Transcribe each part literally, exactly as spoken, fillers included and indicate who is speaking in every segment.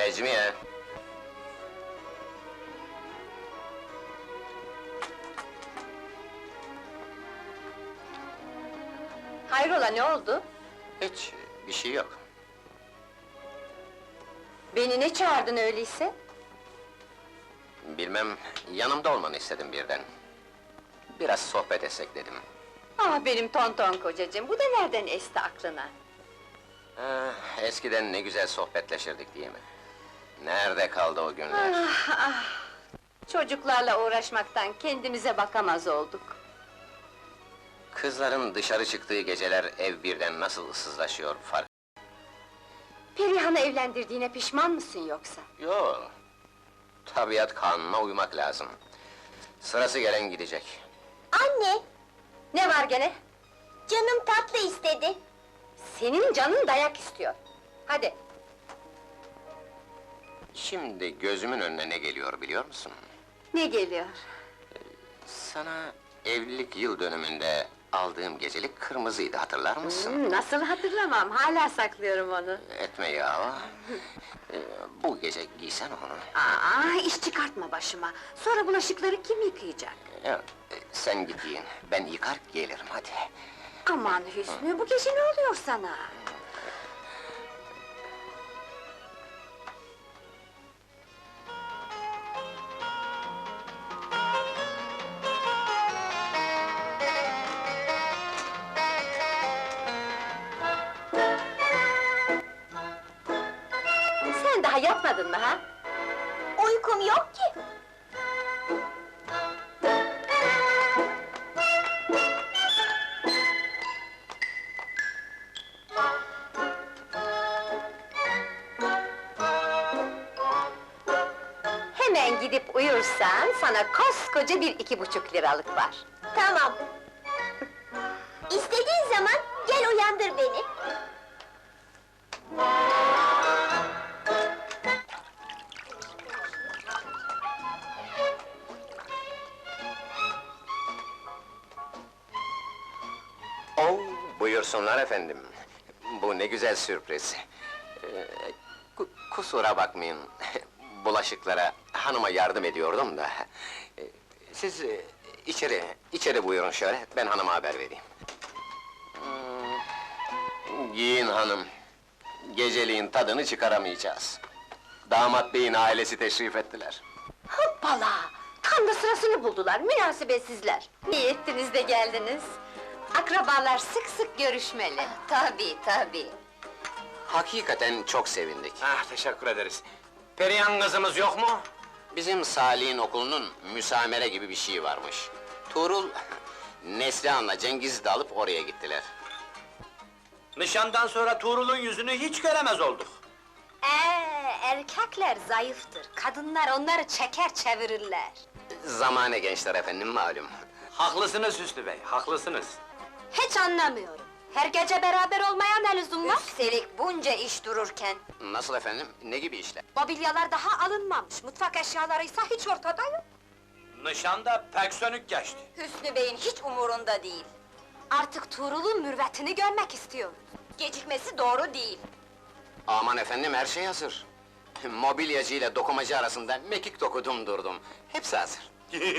Speaker 1: Necmiye!
Speaker 2: Hayrola, ne oldu?
Speaker 1: Hiç, bir şey yok.
Speaker 2: Beni ne çağırdın öyleyse?
Speaker 1: Bilmem, yanımda olmanı istedim birden. Biraz sohbet etsek dedim.
Speaker 2: Ah benim tonton kocacığım, bu da nereden esti aklına?
Speaker 1: Ah, eskiden ne güzel sohbetleşirdik değil mi? Nerede kaldı o günler?
Speaker 2: Ah ah! Çocuklarla uğraşmaktan kendimize bakamaz olduk.
Speaker 1: Kızların dışarı çıktığı geceler ev birden nasıl ıssızlaşıyor fark...
Speaker 2: Perihan'ı evlendirdiğine pişman mısın yoksa?
Speaker 1: Yo, tabiat kanununa uymak lazım. Sırası gelen gidecek.
Speaker 3: Anne,
Speaker 2: Ne var gene?
Speaker 3: canım tatlı istedi.
Speaker 2: Senin canın dayak istiyor. Hadi!
Speaker 1: Şimdi gözümün önüne ne geliyor biliyor musun?
Speaker 2: Ne geliyor?
Speaker 1: Sana evlilik yıl dönümünde aldığım gecelik kırmızıydı, hatırlar mısın?
Speaker 2: Hmm, nasıl hatırlamam, hala saklıyorum onu.
Speaker 1: Etme ya! Ee, Bu gece giysen onu.
Speaker 2: Aa, iş çıkartma başıma! Sonra bulaşıkları kim yıkayacak?
Speaker 1: Ya, e, sen git giyin, ben yıkar gelirim, hadi!
Speaker 2: Aman Hüsnü, bu gece ne oluyor sana? Sen daha yatmadın mı ha?
Speaker 3: Uykum yok ki.
Speaker 2: Hemen gidip uyursan, sana koskoca bir iki buçuk liralık var.
Speaker 3: Tamam. İstediğin zaman gel uyandır beni.
Speaker 1: Oo, buyursunlar efendim! Bu ne güzel sürpriz! Ee, ku- kusura bakmayın, bulaşıklara hanıma yardım ediyordum da... Ee, Siz e, içeri, içeri buyurun şöyle, ben hanıma haber vereyim. Hmm, giyin hanım, geceliğin tadını çıkaramayacağız. Damat beyin ailesi teşrif ettiler.
Speaker 2: Hoppala! Tam da sırasını buldular, münasebetsizler! İyi ettiniz de geldiniz! Akrabalar sık sık görüşmeli. Tabii, tabii!
Speaker 1: Hakikaten çok sevindik.
Speaker 4: Ah, teşekkür ederiz. Perihan kızımız yok mu?
Speaker 1: Bizim Salih'in okulunun müsamere gibi bir şey varmış. Tuğrul, Neslihan'la Cengiz'i de alıp oraya gittiler.
Speaker 4: Nişandan sonra Tuğrul'un yüzünü hiç göremez olduk.
Speaker 2: Ee, erkekler zayıftır, kadınlar onları çeker çevirirler.
Speaker 1: Zamane gençler efendim, malum.
Speaker 4: Haklısınız Hüsnü Bey, haklısınız.
Speaker 2: Hiç anlamıyorum. Her gece beraber olmaya ne lüzum var? Üstelik bunca iş dururken.
Speaker 1: Nasıl efendim, ne gibi işler?
Speaker 2: Mobilyalar daha alınmamış, mutfak eşyalarıysa hiç ortada yok.
Speaker 4: Nişanda pek sönük geçti.
Speaker 2: Hüsnü Bey'in hiç umurunda değil. Artık Tuğrul'un mürvetini görmek istiyoruz. Gecikmesi doğru değil.
Speaker 1: Aman efendim, her şey hazır. Mobilyacı ile dokumacı arasında mekik dokudum durdum. Hepsi hazır.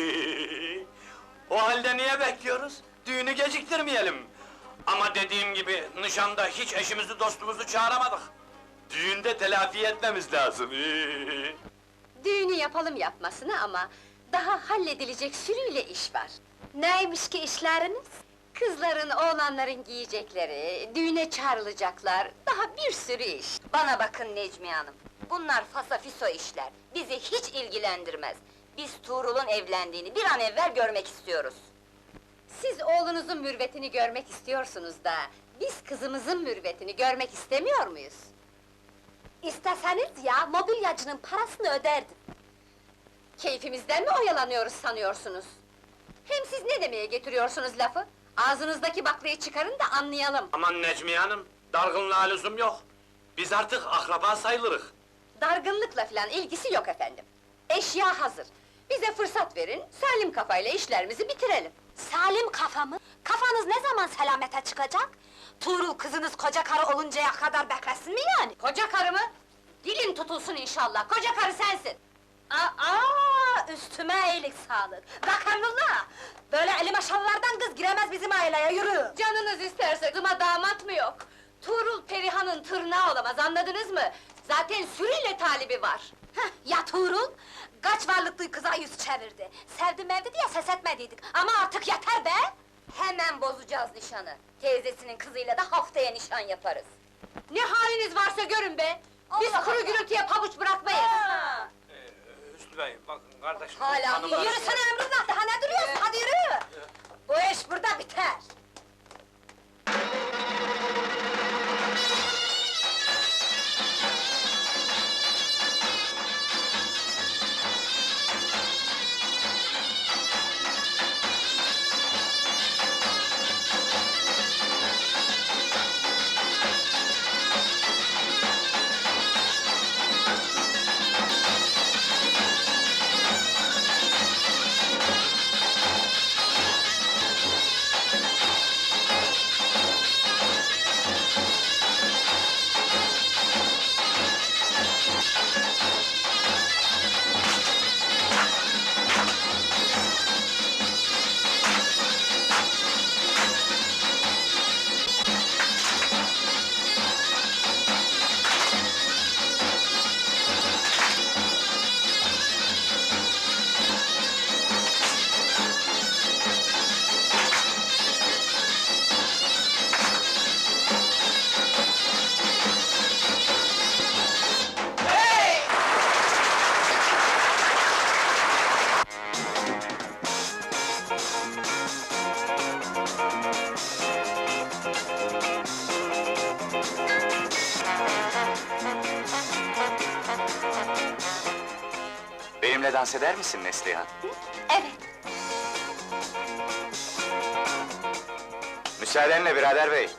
Speaker 4: O halde niye bekliyoruz? Düğünü geciktirmeyelim. Ama dediğim gibi, nişanda hiç eşimizi dostumuzu çağıramadık. Düğünde telafi etmemiz lazım.
Speaker 2: Düğünü yapalım yapmasına ama... ...daha halledilecek sürüyle iş var. Neymiş ki işleriniz? Kızların, oğlanların giyecekleri, düğüne çağrılacaklar, daha bir sürü iş. Bana bakın Necmiye Hanım, bunlar fasafiso işler, bizi hiç ilgilendirmez. Biz Tuğrul'un evlendiğini bir an evvel görmek istiyoruz. Siz oğlunuzun mürvetini görmek istiyorsunuz da, biz kızımızın mürvetini görmek istemiyor muyuz? İsteseniz ya, mobilyacının parasını öderdim. Keyfimizden mi oyalanıyoruz sanıyorsunuz? Hem siz ne demeye getiriyorsunuz lafı? Ağzınızdaki baklayı çıkarın da anlayalım.
Speaker 4: Aman Necmiye Hanım, dargınlığa lüzum yok. Biz artık akraba sayılırız.
Speaker 2: Dargınlıkla filan ilgisi yok efendim. Eşya hazır. Bize fırsat verin, salim kafayla işlerimizi bitirelim. Salim kafa mı? Kafanız ne zaman selamete çıkacak? Tuğrul kızınız koca karı oluncaya kadar beklesin mi yani? Koca karı mı? Dilin tutulsun inşallah, koca karı sensin! Aa, üstüme iyilik sağlık! Bak Emrullah! Böyle eli maşallardan kız giremez bizim aileye, yürü! Canınız isterse kızıma damat mı yok? Tuğrul Perihan'ın tırnağı olamaz, anladınız mı? Zaten sürüyle talibi var! Heh, ya Tuğrul? Kaç varlıklı kıza yüz çevirdi! Sevdi mevdi diye ses etmediydik, ama artık yeter be! Hemen bozacağız nişanı! Teyzesinin kızıyla da haftaya nişan yaparız! Ne haliniz varsa görün be! Biz
Speaker 3: Allah
Speaker 2: kuru
Speaker 3: Allah!
Speaker 2: gürültüye pabuç bırakmayız!
Speaker 4: Ee, Hüsnü Bey, bakın kardeşim...
Speaker 2: Hala
Speaker 4: hanımlar-
Speaker 2: yürüsene Emrullah, daha ne duruyorsun? Hadi yürü! Bu iş burada biter!
Speaker 5: Benimle dans eder misin Neslihan?
Speaker 2: Evet,
Speaker 5: Müsaadenle birader bey.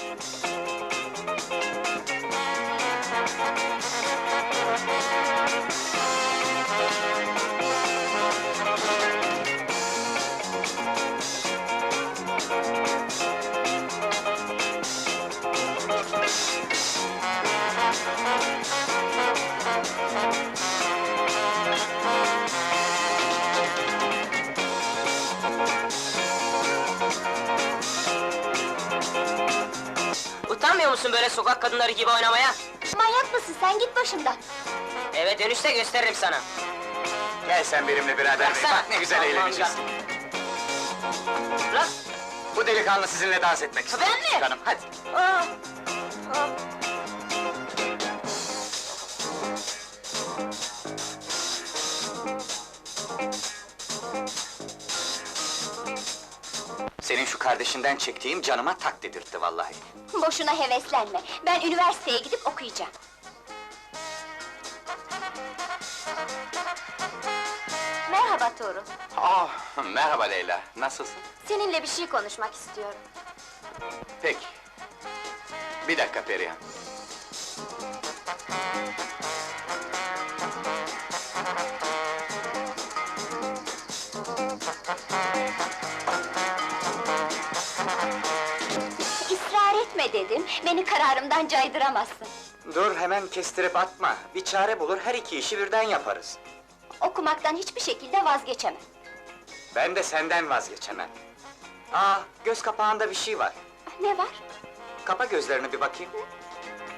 Speaker 6: Utanmıyor musun böyle sokak kadınları gibi oynamaya?
Speaker 3: Manyak mısın sen, git başımdan!
Speaker 6: Eve dönüşte gösteririm sana.
Speaker 5: Gel sen benimle birader bey,
Speaker 6: Bıraksana.
Speaker 5: bak ne güzel
Speaker 6: Aman
Speaker 5: eğleneceğiz.
Speaker 6: Bırak!
Speaker 5: Bu delikanlı sizinle dans etmek istiyor.
Speaker 6: Ben mi?
Speaker 5: Küçük hanım, hadi.
Speaker 6: Aa!
Speaker 5: Senin şu kardeşinden çektiğim canıma tak dedirtti vallahi.
Speaker 3: Boşuna heveslenme, ben üniversiteye gidip okuyacağım. Merhaba Tuğrul,
Speaker 5: Ah, merhaba Leyla, nasılsın?
Speaker 3: seninle bir şey konuşmak istiyorum.
Speaker 5: Peki. Bir dakika Perihan.
Speaker 3: İsrar etme dedim, beni kararımdan caydıramazsın.
Speaker 5: Dur, hemen kestirip atma. Bir çare bulur, her iki işi birden yaparız.
Speaker 3: Okumaktan hiçbir şekilde vazgeçemem.
Speaker 5: Ben de senden vazgeçemem. Aa, göz kapağında bir şey var.
Speaker 3: Ne var?
Speaker 5: Kapa gözlerini bir bakayım.